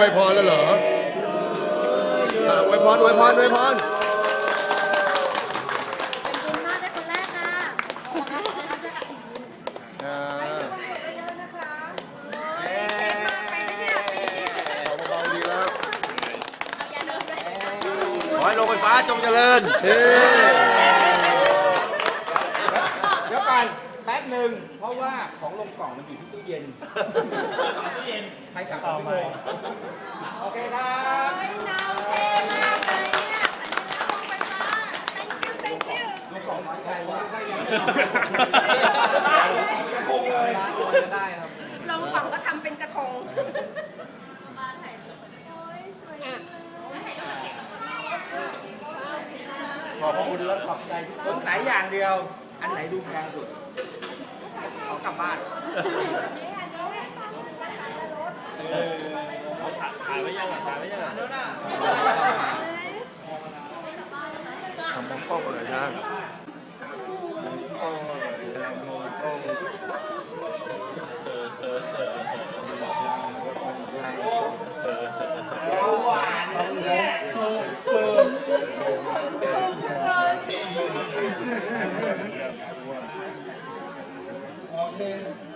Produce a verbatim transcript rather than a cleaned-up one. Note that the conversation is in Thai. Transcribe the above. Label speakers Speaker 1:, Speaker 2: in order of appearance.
Speaker 1: วยพรแล้วเหรออ่ะอวยพรอวยพรอวยพร
Speaker 2: คุณมากได้คนแรกค่ะ
Speaker 1: อ่าเบาๆดีแล้ว
Speaker 3: ขอให้โรงไฟฟ้าจงเจริญ
Speaker 1: เฮ้
Speaker 3: เดี๋ยวก่อนแป๊บหนึ่งเพราะว่าของลงกล่องมันอยู่ที่ตู้เย็นตู้เย็นให้กลับไปพี่โมโอเคครับลงกล่องน้อยใจว่าใครยังคงเลยได้ครับ
Speaker 4: ลงกล่องก็ทำเป็นกระทง
Speaker 3: ขอบคุณและขอบใจทุกคนสายอย่างเดียว อันไหนดูแพงสุดขอกลับบ้านถ่ายไว้ยังอ่ะถ่ายไว้ยังอ่ะ
Speaker 1: ทำมองกล้องเลยนะ
Speaker 3: หวานเนี่ยโอเค